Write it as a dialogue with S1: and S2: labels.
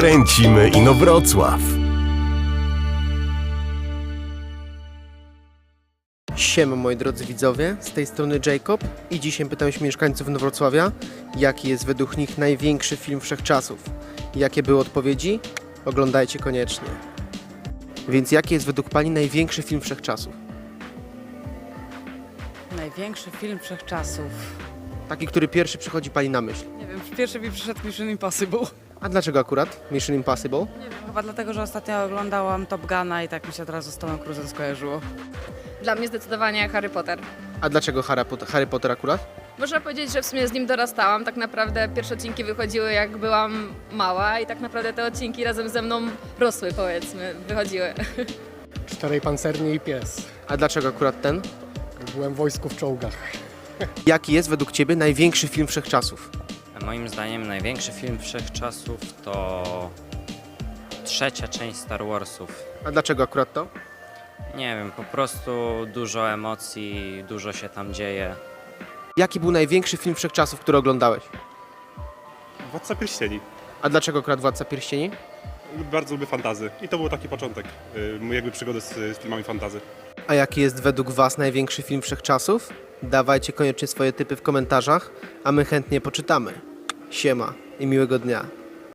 S1: Kręcimy Inowrocław.
S2: Siema moi drodzy widzowie, z tej strony Jacob i dzisiaj pytam się mieszkańców Inowrocławia, jaki jest według nich największy film wszechczasów. Jakie były odpowiedzi? Oglądajcie koniecznie. Więc jaki jest według Pani największy film wszechczasów?
S3: Największy film wszechczasów.
S2: Taki, który pierwszy przychodzi Pani na myśl.
S3: Nie wiem, pierwszy mi przyszedł Mission Impossible.
S2: A dlaczego akurat Mission Impossible?
S3: Nie wiem, chyba dlatego, że ostatnio oglądałam Top Guna i tak mi się od razu z Tomem Cruise'em skojarzyło.
S4: Dla mnie zdecydowanie Harry Potter.
S2: A dlaczego Harry Potter akurat?
S4: Można powiedzieć, że w sumie z nim dorastałam. Tak naprawdę pierwsze odcinki wychodziły jak byłam mała i tak naprawdę te odcinki razem ze mną rosły, powiedzmy, wychodziły.
S5: Czterej pancerni i pies.
S2: A dlaczego akurat ten?
S5: Byłem w wojsku w czołgach.
S2: Jaki jest według Ciebie największy film wszechczasów?
S6: Moim zdaniem największy film wszechczasów to trzecia część Star Warsów.
S2: A dlaczego akurat to?
S6: Nie wiem, po prostu dużo emocji, dużo się tam dzieje.
S2: Jaki był największy film wszechczasów, który oglądałeś?
S7: Władca Pierścieni.
S2: A dlaczego akurat Władca Pierścieni?
S7: Bardzo lubię fantazy i to był taki początek jakby przygody z filmami fantazy.
S2: A jaki jest według Was największy film wszechczasów? Dawajcie koniecznie swoje typy w komentarzach, a my chętnie poczytamy. Siema i miłego dnia.